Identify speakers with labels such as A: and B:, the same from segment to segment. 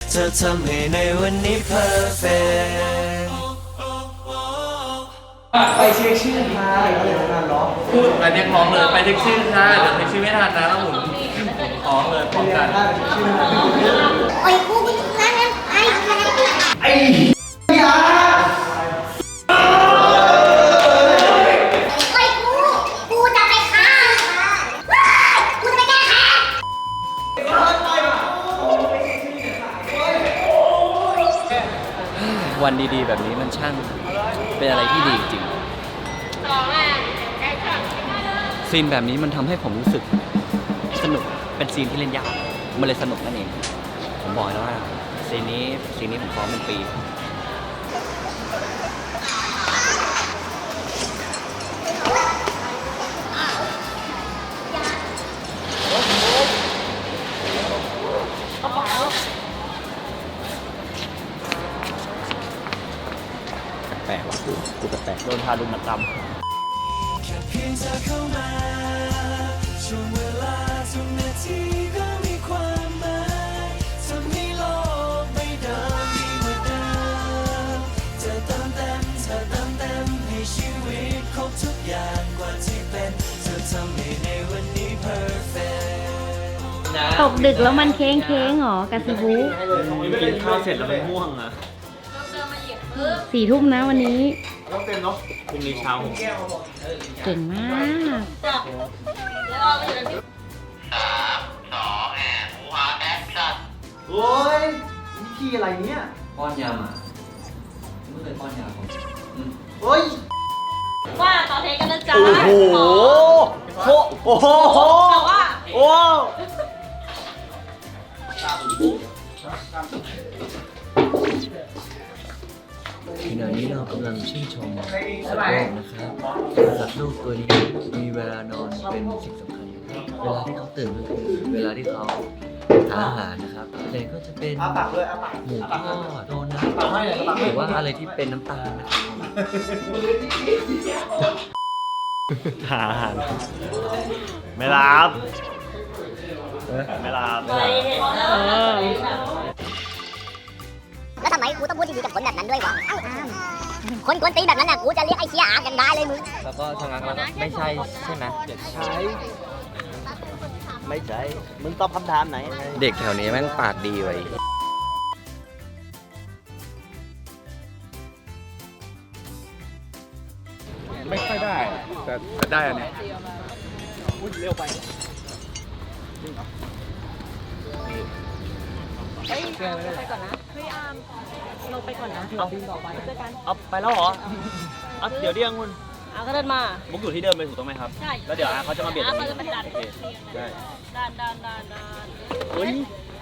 A: เธอทำให้ในวันนี้ perfect
B: ไปเช็คชื่อค่ะเดี๋ยวงานร้อง
C: พูดไปเรียกร้องเลยไปเช็คชื่อค่ะเดี๋ยวเช็คชื่อไม่ทันนะแล้วผมร้องเลยพร้อมกัน
D: โอ้ยกูนั่นนั่นไอ้
B: ยา
D: โอ้ยกูจะไปฆ่ากูจะไปแก้แค้น
E: วันดีๆแบบนี้มันช่างเป็นอะไรที่ดีจริงซีนแบบนี้มันทำให้ผมรู้สึกสนุกเป็นซีนที่เล่นยากมันเลยสนุกนั่นเองผมบอกแล้วว่าซีนนี้ผมซ้อมเป็นปีแปลกว่ะกูแปลกโดนทารุณกรรม
A: แค่เพียงเธอเข้ามาช่วงเวลาทุกนาทีก็มีความหมายทำให้โลกใบเดิมดีกว่าเดิมเธอเติมเต็มให้ชีวิตครบทุกอย่างกว่าที่เป็นเธอทำให้ในวันนี้ perfect
F: ตกดึกแล้วมันเค้งหรอกาซิบุ
B: กินข้าวเสร็จแล้วมันม่วงอ่ะ
F: 4 ทุ่มนะวันนี้
B: ต้องเต็มเนาะพรุ่งนี้เช้าผม
F: เก่งมาก
B: โอ้ยวิธีอะไรเนี่ย
E: ป้อนยามาไม่เคยป้อนยาผม
B: โอ้ย
G: ว่าต่อเทกันนะจ๊ะ
B: โอ้โหโอ้โหโอ้
E: ขณะนี้เรากำลังชื่นชมสัตว์โลกนะครับสัตว์โลกตัวนี้มีเวลานอนเป็นสิ่งสำคัญเวลาที่เขาตื่นก็คือเวลาที่เขาหาอาหารนะครับแต่ก็จะเป็นหมูทอดโดนัทหรือว่าอะไรที่เป็นน้ำตาลนะครับ
B: หาอาหารไม่รับไม่รับ
D: แล้วทำไมกูต้องพูดดีๆกับคนแบบนั้นด้วยวะคนกวนตีนแบบนั้นน่ะกูจะเรียกไอ้เชี่ยอากันได้เลยมึง
E: แล้วก็ทางนั้นไม่ใช่ใช่ไหม
B: ใช่ไม่ใช่มึงตอบคำถามไหน
E: เด็กแถวนี้แม่งปากดีไว้
C: ไม่ค่อยได้แต่ได้อันนี้เร็วไป
G: ไปก่อนนะเฮ้ยอามเราไปก่อนนะเอาต่อไปเจอกัน
B: เอาไปแล้วเหรอเอาเดี๋ยวเรียกคุณ
G: อาก็เดินมา
B: มุกอยู่ที่เดิมเลยถูกต้องไหมครับ
G: ใช่
B: แล้วเดี๋ยวเขาจะมาเบียดตรง
G: เขา
B: นี้
G: จะมาดัน
B: โอเคได้
G: ดัน
B: เฮ้ย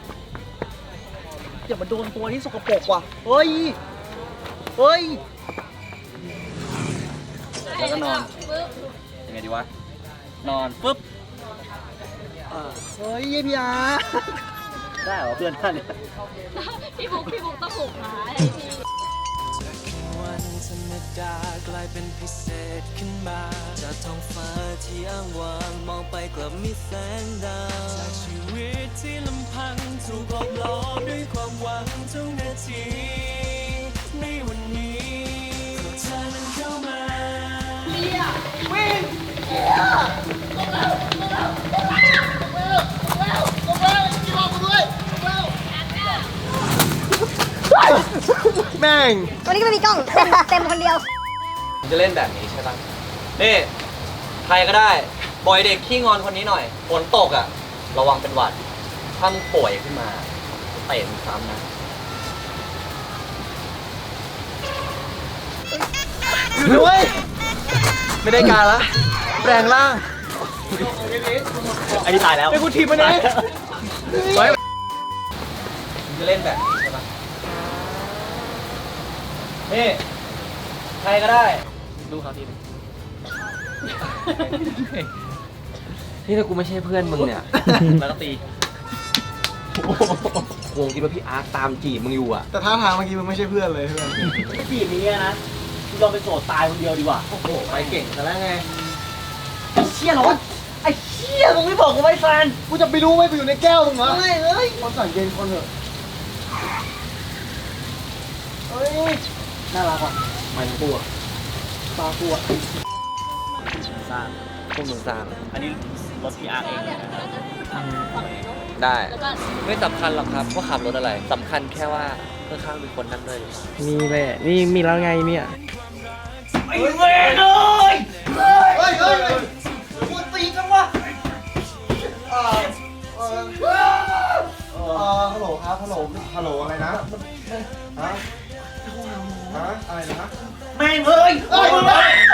B: อย่ามาโดนตัวที่สกปรกว่ะเฮ้ยเฮ้ย
E: แล้วก็นอนยังไงดีวะนอนปุ๊บ
B: เฮ้ยพี่อาได้เหรอเพื่อนท่านเนี่ย
G: พี่บุ๊กต้องผูกขาให้พี่
A: วันธรรมดากลายเป็นพิเศษขึ้นมาจากท้องฟ้าที่อ้างว้างมองไปกลับมีแสงดาวจากชีวิตที่ลำพังถูกหลอกล้อด้วยความหวังทุกนาทีในวันนี้เพราะเธอนั้นเข้ามา
B: แม่ง
D: วันนี้ก็ไม่มีกล้องเต็มคนเดียว
E: จะเล่นแบบนี้ใช่ปะนี่ใครก็ได้ปล่อยเด็กขี้งอนคนนี้หน่อยฝนตกอ่ะระวังเป็นหวัดถ้ามึงป่วยขึ้นมาเตะมึงซ้ำนะ
B: อยู่ด้วยไม่ได้การละแปลงร่างอันนี้ตายแล้วไอ้กูทีมมันเอง
E: จะเล่นแบบนี้ใช่ปะนี่ใครก็ได้ดูเขาทีนึงนี่ถ้ากูไม่ใช่เพื่อนมึงเนี่ยแล้วก็ตีกูคิดว่าพี่อาร์ตตามจีบมึงอยู่อ่ะ
B: แต่ท่าทางเมื่อกี้มึงไม่ใช่เพื่อนเลยเพื่อนจีบนี้นะกูลองไปโสดตายคนเดียวดีกว่าโอ้โหไปเก่งแต่แล้วไงไอ้เชี่ยร้อนไอ้เชี่ยมึงไม่บอกกูไว้แฟนกูจะไปรู้ไหมกูอยู่ในแก้วมึงเหรอไม่เลยคนสั่งเย็นคนเถอะน่ารักว่ะ
E: มันปูอ่ะ
B: ปลากัวสร้าง
E: พวกมึงสร้าง
B: อันนี้รถพี่อาร์เองเลยนะครับ
E: ได้ ไม่สำคัญหรอกครับว่าขับรถอะไรสำคัญแค่ว่าข้างๆมีคนนั่งด้วยหรือเปล่า
B: มีแหละนี่มีแล้วไงเนี่ย
E: ไอ้เวรเลยเฮ้ยพูดตีจังวะฮัลโหลครับฮัลโหลอะไรนะฮะอะไรนะ
B: แม่งเอ้ย